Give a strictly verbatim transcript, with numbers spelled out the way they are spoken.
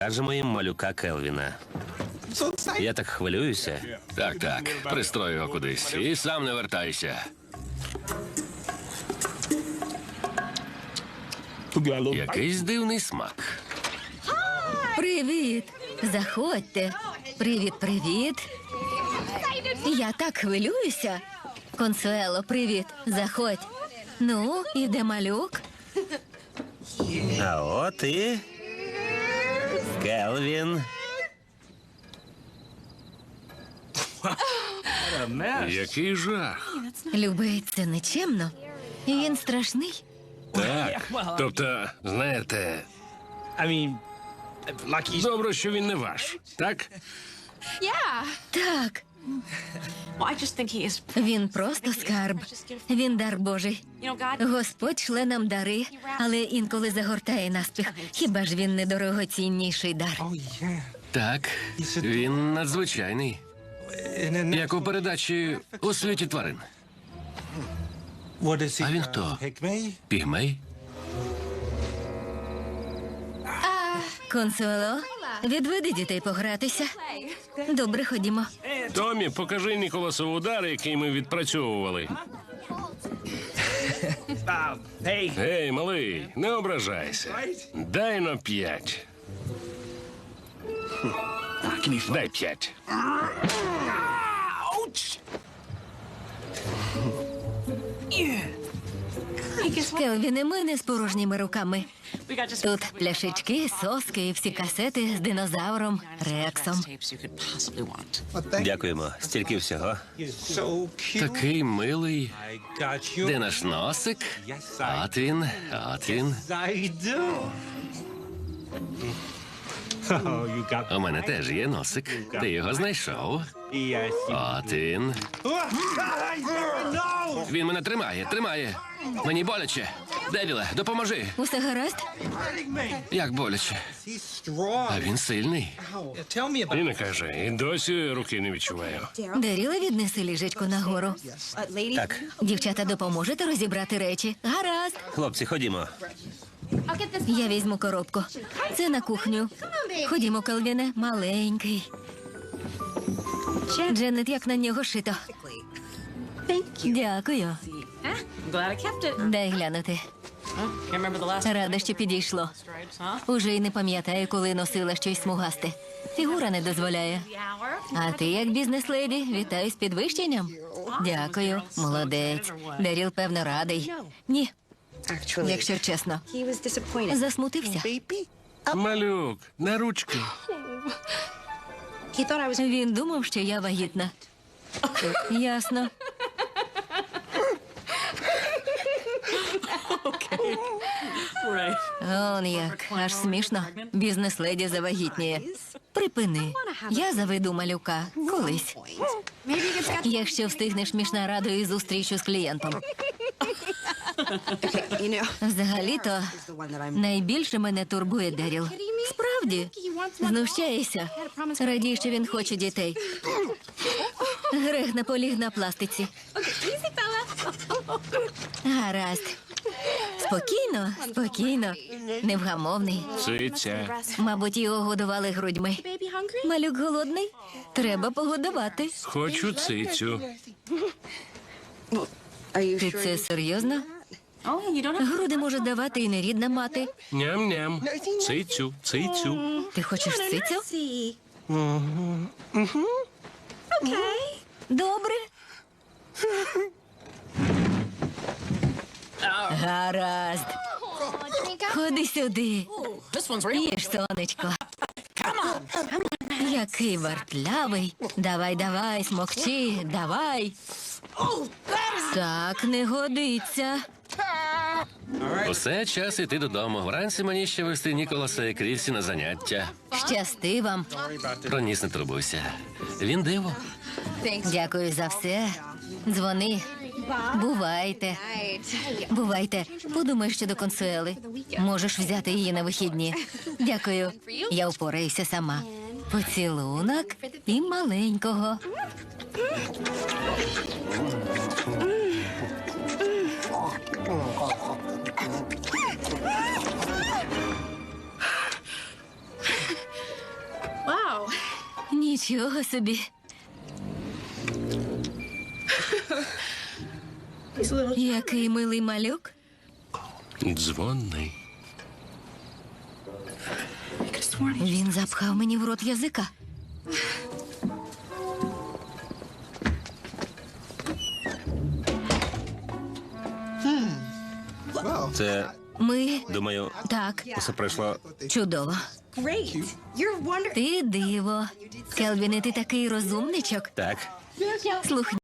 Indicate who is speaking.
Speaker 1: Кажемо їм малюка Келвіна. Я так хвилююся.
Speaker 2: Так, так. Пристрой його кудись. І сам не вертайся. Якийсь дивний смак.
Speaker 3: Привіт! Заходьте. Привіт, привіт. Я так хвилююся. Консуело, привіт. Заходь. Ну, і де малюк?
Speaker 1: А от і... Келвін.
Speaker 2: Який жах.
Speaker 3: Любий, це нечемно. І він страшний.
Speaker 2: Так. Тобто, знаєте, добре, що він не ваш. Так?
Speaker 3: Так,
Speaker 4: Well, I just think he is.
Speaker 3: він просто скарб. Він дар Божий.
Speaker 4: You know, God.
Speaker 3: Господь шле нам дари, але інколи загортає наспіх. Хіба ж він не дорогоцінніший дар?
Speaker 2: Так. Він надзвичайний. Як у передачі «У світі тварин».
Speaker 5: А
Speaker 2: він хто? Пігмей?
Speaker 3: Консуело, відведи дітей погратися. Добре, ходімо.
Speaker 2: Томі, покажи Ніколасов удар, який ми відпрацьовували. Гей, малий, не ображайся. Дай на п'ять. Дай п'ять.
Speaker 3: Келвіне, ми не з порожніми руками.
Speaker 4: We got just
Speaker 3: Тут пляшечки, соски і всі касети з динозавром Рексом.
Speaker 4: tapes you could possibly want.
Speaker 1: Дякуємо. Стільки всього.
Speaker 2: Такий милий. Де наш носик? От він, от він. У мене теж є носик. Ти його знайшов. От він. Він мене тримає, тримає. Мені боляче. Девіле, допоможи.
Speaker 3: Усе гаразд?
Speaker 2: Як боляче. А він сильний. І не каже, і досі руки не відчуваю.
Speaker 3: Деріла, віднеси ліжечко нагору.
Speaker 1: Так,
Speaker 3: Дівчата, допоможете розібрати речі? Гаразд.
Speaker 1: хлопці, ходімо.
Speaker 3: Я візьму коробку. Це на кухню. Ходімо, Келвіне, маленький. Дженет, як на нього шито. Дякую.
Speaker 4: I'm glad I kept it.
Speaker 3: Дай глянути.
Speaker 4: Can't remember the last
Speaker 3: Рада, що підійшло.
Speaker 4: stripes, huh?
Speaker 3: Уже й не пам'ятаю, коли носила щось смугасте. Фігура не дозволяє.
Speaker 4: The hour.
Speaker 3: А ти, як бізнес-леді, вітаю з підвищенням. Дякую, молодець. Деріл, певно, радий. Ні, якщо чесно. Засмутився.
Speaker 2: Малюк, на ручки.
Speaker 3: Він думав, що я вагітна. Ясно.
Speaker 4: Right.
Speaker 3: Он як, аж смішно. Бізнес-леді завагітніє. Припини. Я заведу малюка. Колись. Якщо встигнеш між нарадою і зустрічю з клієнтом. Взагалі-то найбільше мене турбує Деріл. Справді, знущаєшся. Радій, що він хоче дітей. Грех наполіг на пластиці. Гаразд. Спокійно, спокійно. Невгамовний.
Speaker 2: Циця.
Speaker 3: Мабуть, його годували грудьми. Малюк голодний? Треба погодувати.
Speaker 2: Хочу цицю.
Speaker 3: Ти це серйозно?
Speaker 4: Oh, you don't have.
Speaker 3: Груди може давати і нерідна мати.
Speaker 2: Ням-ням. Цицю, цицю.
Speaker 3: Ти хочеш цицю? Добре. Гаразд. Ходи сюди.
Speaker 4: This one's real.
Speaker 3: Їж, сонечко. Який вартлявий. Давай, давай, смокчи, давай. Так не годиться.
Speaker 2: Усе, час іти додому. Вранці мені ще вести Ніколаса і Крівсі на заняття.
Speaker 3: Щасти вам.
Speaker 2: Про ніс не турбуйся. Він диво.
Speaker 3: Дякую за все. Дзвони. Бувайте. Бувайте. Подумай щодо Консуели. Можеш взяти її на вихідні. Дякую. Я впораюся сама. Поцілунок і маленького. Нічого собі. Який милий малюк.
Speaker 2: Дзвонний.
Speaker 3: Він запхав мені в рот язика.
Speaker 1: Це,
Speaker 3: Ми...
Speaker 1: думаю,
Speaker 3: Так,
Speaker 1: все пройшло.
Speaker 3: чудово. Ти диво. Келвіне, ти такий розумничок.
Speaker 1: Так.
Speaker 3: Слухай.